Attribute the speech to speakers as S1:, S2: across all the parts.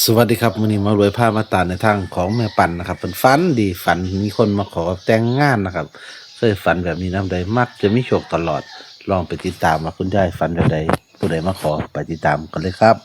S1: สวัสดีครับวันนี้มารวยผ้ามาตาในทางของแม่ปันนะครับเป็นฝันดีฝันมีคนมาขอแต่งงานนะครับเคยฝันแบบนี้น้ำใดมักจะมีโชคตลอดลองไปติดตามว่าคุณยายฝันแบบใดผู้ใดมาขอไปติดตามกันเลยครับ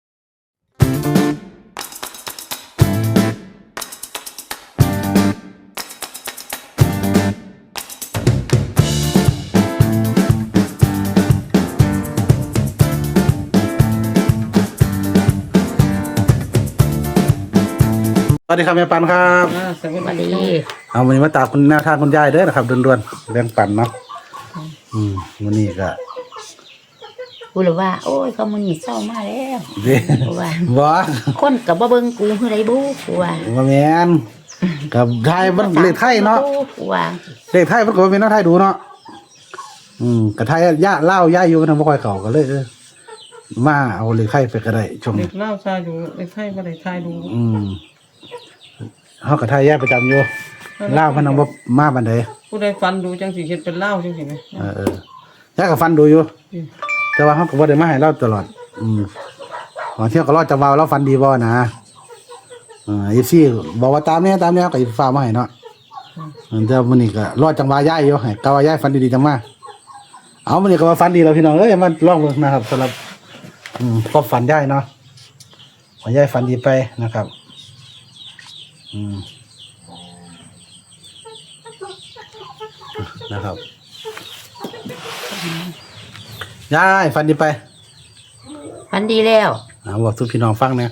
S1: สวัสดีครับแม่ปันครับ
S2: สวัสดี
S1: เอาวันนี้มาตามคุณแนวทางคุณยายเด้อนะครับด่วนๆแบ่งปันเนาะวันนี้ก็
S2: กูเลยว่าโอ้ยเขามันหนีเศร้ามาแล้วกูว่า
S1: บ่
S2: คนกับบ่เบิ่งกูคือไรบูกูว่า
S1: บ่แม่นกับไทยมันเลขไทยเนาะ
S2: กูว่า
S1: เลขไทยมันก็เป็นน้าไทยดูเนาะกับไทยย่าเล่าย่าอยู่กันบ่ค่อยเข้าก็เลยมาเอาเลขไทยไปก็ได้ช่วง
S3: เด็กเล่าชาอยู่เด็กไทยบ่ได้ทายดู
S1: เฮากับไทยย่าประจำอยู่เล่ามันนำบ่มาบันได
S3: ผู้ใดฟันดูจังสิเฮ็ดเป็นเล่าจังสิแม่
S1: ย่าก็ฟันดูอยู่แต่ว่าเฮาก็บ่ได้มาให้เล่าตลอดบางเที่ยก็รอจะว่าเราฟันดีบ่นะอีซี่บอกว่าตามนี้ก็อีฟ้ามาให้เนาะเดี๋ยวมื้อนี้ก็รอจังหวะย้ายอยู่ให้กะว่าย้ายฟันดีๆจังมาเอามื้อนี้ก็ว่าฟันดีแล้วพี่น้องเอ้ยมาลองเบิ่งนะครับสำหรับก็ฝันย้ายเนาะขอย้ายฟันดีไปนะครับนะครับย้ายฟันดีไป
S2: ฟันดีแล้ว
S1: บอกทุกพี่น้องฟังเนี่ย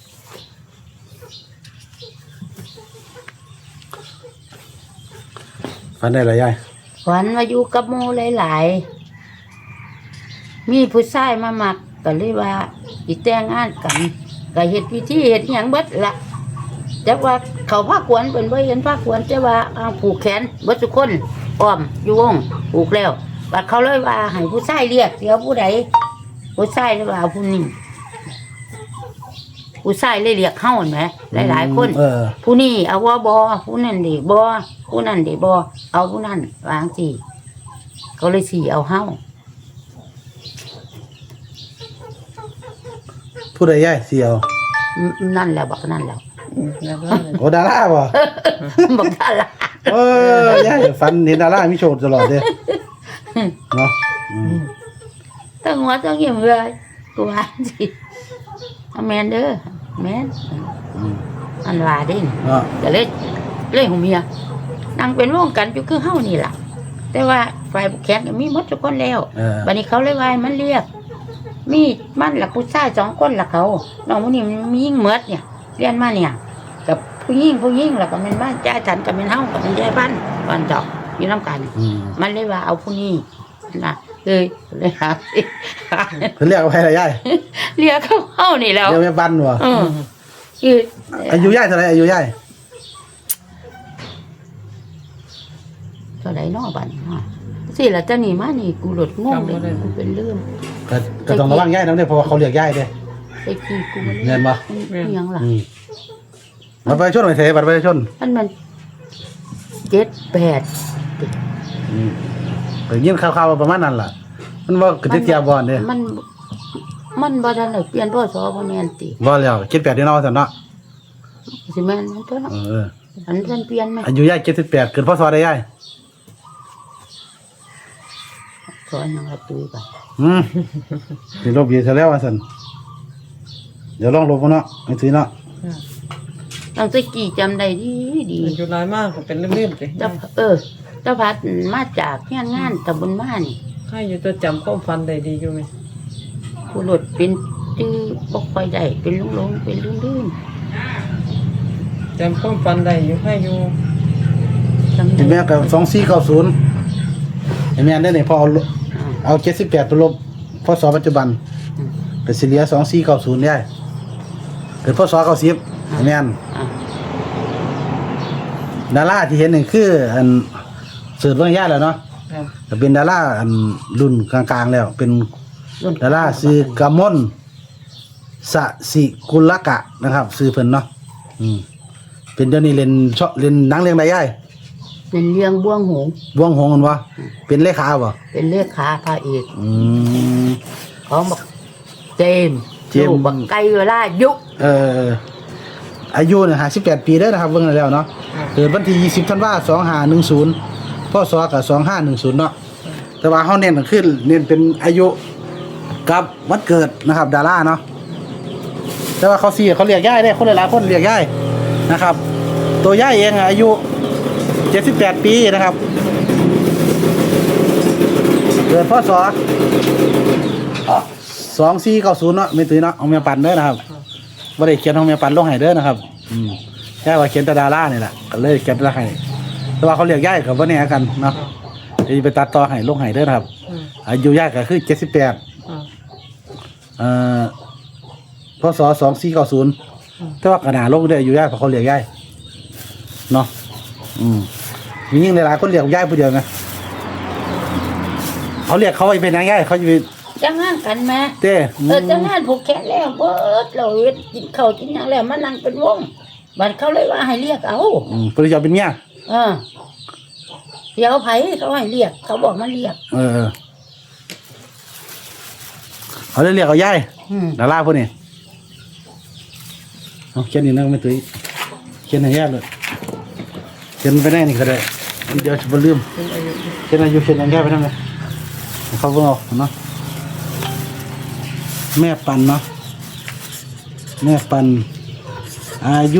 S1: ฟันได้หรอยาย
S2: ฝันว่าอยู่กับหมู่หลายๆมีผู้ชายมามักก็เลยว่าสิแต่งงานกันก็เฮ็ดพิธีเฮ็ดหยังเบิดละแต่ว่าเขาพากวนเพิ่นบ่เห็นพากวนแต่ว่าผูกแขนเบิดทุกคนอ้อมอยู่วงผูกแล้วบัดเขาเลยว่าให้ผู้ชายเรียกเดี๋ยวผู้ใดผู้ชายเลยว่าผู้นี้ผู้ชายเลยเรียกเฮาเห็นไหมหลายๆคนผู้นี้เอาว่าบ่ผู้นั้นดิบ่ผู้นั้นดิบ่เอาผู้นั้นวางสิเขาเลยสิเอาเฮา
S1: ผู้ใดยายเสียว
S2: นั่นแหละบอกนั่นแล้ว
S1: โอ้ดาราบ่
S2: บอกดารา
S1: ยายฟันเห็นดารามีโชว์ตลอดเด้เนาะ
S2: ตั้งหัวตั้งเหี่ยมเลยกูว่าสิแมนเด้อแมนอันว่าดิจะเล่นของเมียนั่งเป็นวงกันอยู่คือเฮานี่ล่ะแต่ว่าฝ่ายบุกแขนมีหมดทุกคนแล้ววันนี้เขาเลยว่ามันเรียกมีมันหลักผู้ชาย2 คนหลักเขาน้องผู้นี้มันมียิ่งเมดเนี่ยเรียนมาเนี่ยกับผู้ยิ่งแล้วก็เป็นบ้านจ่ายฉันกับเป็นเฮากับเป็นยายบ้านเจาะอยู่น้ำกันมันเลยว่าเอาผู้นี้นะเลยหา
S1: เพิ่นเรียกเอาให้ละยาย
S2: เรียกเขาเฮานี่แล้ว
S1: เรียกแม่บ้านบ่
S2: คือ
S1: อายุยายเท่าไหร่อายุยาย
S2: เท่าไหร่เนาะบัดนี้สิล่ะเจ้านี่มานี่กูหลดงงเลยกูเป็นเรื่อง
S1: ก็ต้องระวังยายนำเด้เพราะว่าเขาเรียกยายเด้
S2: ไอ้ขี้กู
S1: เงินบ่
S2: ยังล่ะ
S1: บัตรประชาชนไปเทบัตรประชาชน
S2: มัน7-8
S1: ไปยินข่าวๆประมาณนั้นล่ะมันบ่กระติกเทียบบ่เด้
S2: มันบ่ทันได้เปลี่ยนพศบ่แม่นติ
S1: บ่แล้ว78นี่เนาะซั่นเนาะ
S2: สิแม่นมันตัวเนาะอันนั้นเปลี่ยนมั้ย
S1: อายุยาย78เกิดพศใดยาย
S2: สอนยังละตุ้ยไป
S1: สิลบอยู่ซะแล้วว่าซั่นเดี๋ยวลองลบเนาะให้ซื้อเนาะ
S2: ตั้งแต่กี่จำได้ดี
S3: อยู่หลายมากก็เป็นเรื่องๆสิ
S2: เจ้าพัดมาจากงานตำบลบ้านนี่
S3: ใครอยู่ตัวจำความฟันได้ดีอยู่มั้ย
S2: ผู้หลดเป็นจื้อบ่ค่อยได้เป็นลงเป็นลื่น
S3: จำความฟันได้อยู่ให้อยู่
S1: แม่ก็2490ไอ้แม่นได้นี่พอเอา78ไปลบพศปัจจุบันก็สิเหลือ2490ได้เกิดพศ90แม่นดาราที่เห็นนี่คืออันเสิร์ชเบิ่งยายแล้วเนาะก็เป็นดาราอันรุ่นกลางๆแล้วเป็นดาราชื่อกมลสสิกุลกะนะครับชื่อเพิ่นเนาะเป็นเดี๋ยวนี้เล่นหนังเรื่องใดยาย
S2: เป็นเรื่องบ่วงหง
S1: มันวะเป็นเลขาบ่
S2: เป็นเลขาพระเอกเขาบอกเจม
S1: เจม
S2: ลูก
S1: ส์
S2: บักไก่เวลายุก
S1: อายุเนี่ย58 ปีเด้อนะครับเบิ่งแล้วเนาะเกิดวันที่20ธันวาคม2510พศก็2510เนาะแต่ว่าเฮาเน้นก็คือเน้นเป็นอายุกับวันเกิดนะครับดาราเนาะแต่ว่าเขาเรียกย่ายได้คนหลายๆคนเรียกย่ายนะครับ ตัวย่ายเองอายุ78 ปีนะครับเกิดพศ2490เนาะไม่ตื่นเนาะเอาเมียปันเด้อนะครับบ่ได้เขียนของเมียปันลงให้เด้อนะครับแค่ว่าเขียนแต่ดารานี่แหละก็เลยเขียนละให้แต่ว่าเขาเรียกย่ายก็บ่แน่กันเนาะจะไปตัดต่อให้ลงให้เด้อนะครับอายุย่ายก็คือ78พศ2490แต่ว่ากระดาษลงได้อายุย่ายเพราะเขาเรียกย่ายเนาะมียิ่งหลายๆคนเรียกย่ายผู้เดียวนะเขาเรียกเขาไปเป็นนางย่ายเขาจะไป
S2: จังงานกันแม่
S1: เต้
S2: จังงานผูกแขนแล้วเบิดเราเฮ็ดกินข้าวกินหยังแล้วมานั่งเป็นวงบัดเขาเลยว่าให้เรียกเอา
S1: ปริจาเป็นเมีย
S2: เดี๋ยวไผเขาให้เรียกเขาบอกมาเรียก
S1: เขาเลยเรียกเอาย่ายดาราพวกนี้เอาเขียนนี่นะไม่ตุ้ยเขียนให้ย่ายเลยเขียนไปได้นี่ก็ได้เดี๋ยวจะลืมเขียนอายุเขียนอย่างย่ายไปนั่นเลยเขาเพิ่งเอาเนาะแม่ปันเนาะแม่ปันอายุ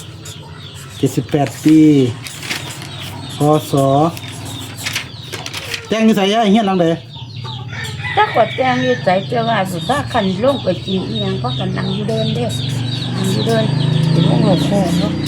S1: 78 ปีพศแจ้งนิสัยย่ายเฮียนหลังใด
S2: ถ้ากดแจงอยู่ใจเจ้าว่าสุดถ้าคันลงไปกินอีหยังเพราะกันนั่งอยู่เดินเด้อนั่งอยู่เดินเป็นวงโลกโค้งเนาะ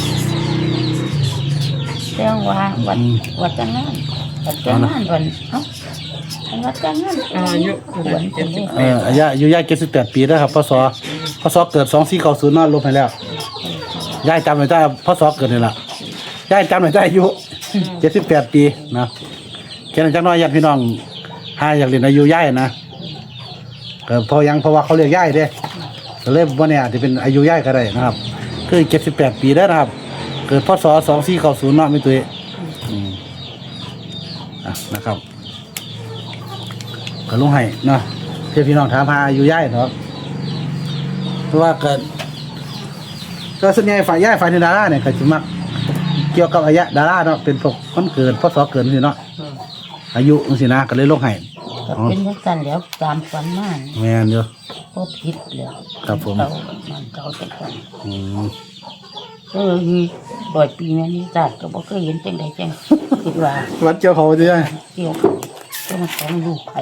S2: แจ้งว่าวัดจังงานวัดจังงานวันวัดจังงานอายุวันจังเลย
S1: อายุย่าย78 ปีแล้วครับพศเกิด2490เนาะลบให้แล้วย่ายจำไม่ได้พศเกิดนี่ล่ะย่ายจำไม่ได้อายุ78 ปีนะแค่นั้นจักหน่อยญาติพี่น้องหาอยากเรียนอายุย่ายนะก็เพราะว่าเขาเรียกย่ายเด้ก็เลยบ่เนี่ยอาจจะเป็นอายุย่ายก็ได้นะครับคือ78 ปีแล้วนะครับเกิดพศ2490เนาะมีตัวนะครับก็ลงให้เนาะเพื่อพี่น้องถามหาอายุย่ายเนาะเพราะว่าเกิดก็ส่วนใหญ่ฝ่ายย่ายฝ่ายในดาราเนี่ยก็จะมักเกี่ยวกับอายุดาราเนาะเป็นพวกคนเกิดพศเกิดสิเนาะอายุสินะก็เลยลงให้
S2: ก็เป็นจังซั่นแล้วตามฝันมา
S1: แม่นอยู่
S2: บ่ผิดแล้ว
S1: ครับผม
S2: มันเก่าแต่ก่อน100 ปีแม่นี่จัดก็บ่เคยเห็นจังได๋จังคิดว่า
S1: วัดเจ้าเขาจะได้
S2: เกี่ยวกับต้องของลูกไผ่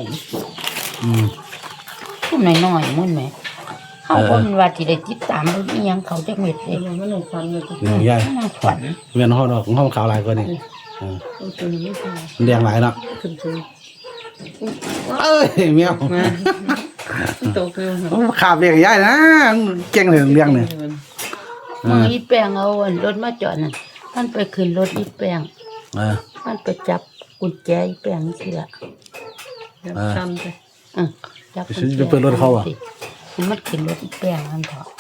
S2: ผู้น้อยๆมุ่นแหมเขาคนว่าที่ได้ติดตามเรื่องอีหยังเขาจักเม็ดเลย
S3: มันลงฟันเลย
S1: เนี่ยย่าย
S2: นั่งฝัน
S1: เวียนห้องดอกของห้องขาวหลายกว่านี่
S3: ตัวนี้ไม่ใช่
S1: แดงหลายเนาะ
S3: ขึ้นสูง
S1: เอ้ยเมียว
S3: โตเกิน
S1: ขาบเรียกย่ายนะเก่งเลยเลี้ยงเนี่ย
S2: มึงอีแป้งเอารถมาจอดนั่นมันไปขึ้นรถอีแป้งมันไปจับกุญแจอีแป้งสิล่ะ
S3: ทำไป
S2: จับ
S1: จะเปิดรถเขาอ่ะ
S2: มันขึ้นรถอีแป้งมันเถอะ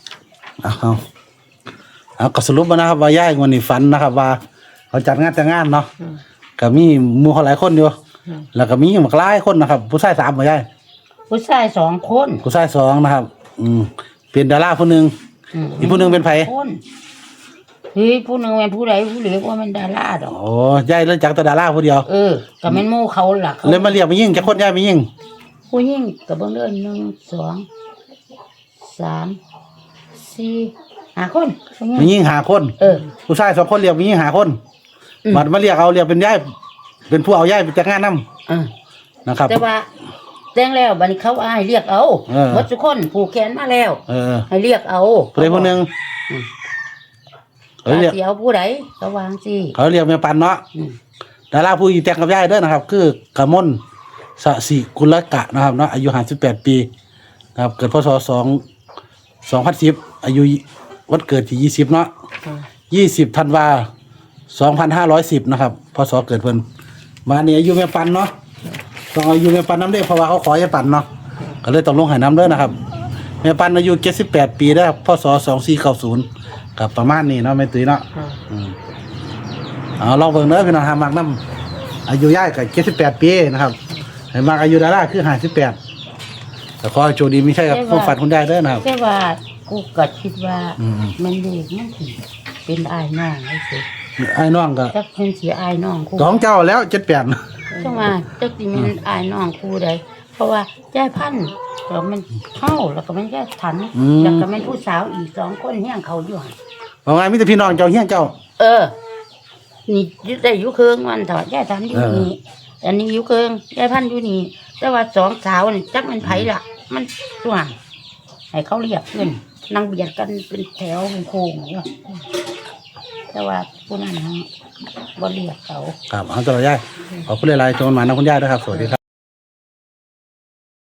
S1: เอาก็สรุปมานะครับว่าย่ายวันนี้ฝันนะครับว่าเขาจัดงานแต่งงานเนาะก็มีหมู่เขาหลายคนอยู่แล้วก็มีหลายคนนะครับผู้ชาย3บ่ย่าย
S2: ผู้ชาย2 คน
S1: ผู้ชาย2นะครับเป็นดาราผู้หนึงอีกผู้หนึงเป็นไผ
S2: คนเฮ้ยผู้หนึงเป็นผู้ใดผู้เหลือว่ามันดาราดอก
S1: โอ้ย่ายเลิกจากแต่ดาราผู้เดียว
S2: ก็แม่นหมู่เขาล่ะ
S1: เลยมาเรียกไปยิ่งจักคนย่ายไปยิ่ง
S2: ผู้หญิงก็เบิ่งเด้อ1 2 3 4 5 คนผู้หญิง
S1: ไปยิ่ง5 คนผู้ชาย2 คนเรียกไปยิ่ง5 คนบัดมาเรียกเอาเรียกเป็นย่ายเป็นผู้เอาย่ายไปจัดงานนำนะครับ
S2: แต่ว่าแต่งแล้วบัดนี้เขาให้เรียกเอาหมดทุกคนผูกแขนมาแล้วให้เรียกเอา
S1: ผู้ใดผู้หนึงเขาเรียก
S2: สิเอาผู้ใดก็วางสิ
S1: เขาเรียกแม่ปันเนาะดาราผู้อยู่แต่งกับย่ายเด้อนะครับ คือกมลสสิกุลกะนะครับเนาะอายุ58 ปีนะครับเกิดพศ2010อายุวันเกิดที่20เนาะ20ธันวา2510นะครับพศเกิดเพิ่นมานี่อายุแม่ปันเนาะต้องอายุแม่ปันน้ำเด้เพราะว่าเขาขอให้ปันเนาะก็เลยต้องลงให้น้ำเด้อนะครับแม่ปันอายุ78 ปีเด้อพศ2490กับประมาณนี้เนาะแม่ตุ้ยเนาะลองเบิ่งเด้อพี่น้องหามักน้ำอายุย่ายก็78 ปีนะครับให้มักอายุดาราคือ58 แต่ขอให้โชคดีไม่ใช่กับความฝันคุณยายเด้อนะครับ
S2: แต่ว่ากูก็คิดว่า
S1: อืม
S2: มันเด็กมันสิเป็นอายน้องไอ้สิ
S1: ไอ้น้องก็
S2: จักเพิ่นสิอายน้องกู
S1: สองเจ้าแล้ว78
S2: จังว่าจักสิมันอายน้องกูได้เพราะว่าย่ายพันธุ์แล้วมันเข้าแล้วก็มันย่ายถันแล้วก็มันผู้สาวอีก2คนเฮียงเขาอยู่หั่น
S1: ว่าไงมีแต่พี่น้องเจ้าเฮียงเจ้า
S2: นี่ได้อยู่เคืองมันเถอะย่ายทันอยู่นี่อันนี้อยู่เคืองย่ายพันธุ์อยู่นี่แต่ว่า2สาวนี่จักมันไผล่ะ มันส่วนให้เขาเรียกขึ้นนั่งเบียดกันเป็นแถวเป็นโค้งอยู่แต่ว่าผู้นั้นบ่เรียกเขา
S1: ครับเอาตัวละยายขอบคุณหลายๆโจนมานะคุณยายนะครับสวัสดีครับ